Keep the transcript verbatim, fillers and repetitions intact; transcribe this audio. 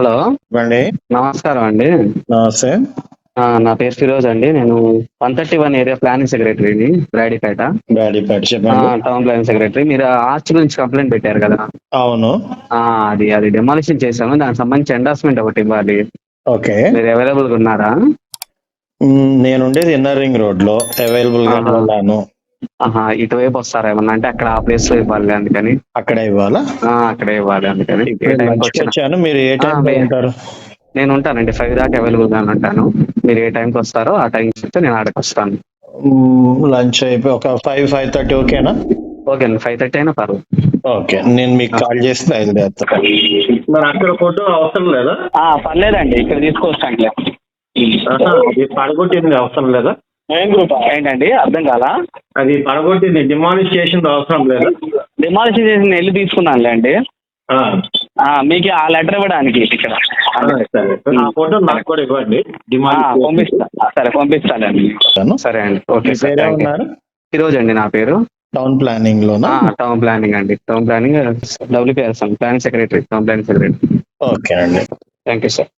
Hello అండి. నమస్కారం అండి. నమస్తే. ఆ, నా పేరు ఫిరోజ్ అండి. నేను one thirty one area planning సెక్రటరీని బ్రాడీపేట. బ్రాడీపేట ఆ, చెప్పండి. Town planning secretary. మీరు ఆర్చ్ గురించి కంప్లైంట్ పెట్టారు కదా. అవును. ఆ, అది అది డెమాలిషన్ చేశాము. దానికి సంబంధించి ఎండార్స్మెంట్ ఒకటి ఇవ్వాలి. ఓకే. మీరు అవైలబుల్ గా ఉన్నారా? మ్, నేనుండేది ఇన్నర్ రింగ్ రోడ్ లో అవైలబుల్ గానే ఆహా. ఉన్నాను. ఆహా, ఇటువైపు వస్తారా ఏమన్నా? అంటే అక్కడ ఆ ప్లేస్ లో ఇవ్వాలి అందుకని. అక్కడే ఇవ్వాలా? ఆ, అక్కడే ఇవ్వాలి అందుకని. ఏ ఇప్పుడు టైంకి లంచ్కి వచ్చినా వచ్చాను. మీరు ఏ ఆ, టైం లో మీ- ఉంటారు? నేను ఉంటానండి. ఫైవ్ దాకా అవైలబుల్ గా ఉంటాను. మీరు ఏ టైంకి వస్తారో ఆ టైం చెప్తే నేను ఆడకి వస్తాను. లంచ్ అయిపోయి ఒక ఫైవ్ ఫైవ్ థర్టీ ఓకేనా? ఓకే అండి, ఫైవ్ థర్టీ అయినా పర్వాలేదు. ఓకే, నేను మీకు కాల్ చేసి బయలుదేరుతాను. మరి అక్కడ ఫోటో అవసరం లేదా? ఆ, పర్లేదండి, ఇక్కడ తీసుకొస్తాండి. అది పడగొట్టింది అవసరం లేదా? ఏం గ్రూప్ ఏంటండి? అర్థం కాలా? అది పడగొట్టింది డిమాలిష్ చేసింది అవసరం లేదా? డిమాలిషన్ చేసి నేను వెళ్ళి తీసుకున్నానులే అండి. ఆ, ఆ, మీకు ఆ లెటర్ ఇవ్వడానికి ఇక్కడ. సరే. ఆ ఫోటో నాకు కూడా ఇవ్వండి. ఆ, డిమాలిష్ పంపిస్తా. సరే, పంపిస్తానండి. సరే అండి, ఓకే మీ సార్, పేరే థ్యాంక్ యూ. ఉన్నారు? ఈరోజు అండి నా పేరు. టౌన్ ప్లానింగ్ లోనా? ఆ, టౌన్ ప్లానింగ్ అండి. Town planning WPS planning secretary, town planning secretary. Okay అండి. Thank you sir.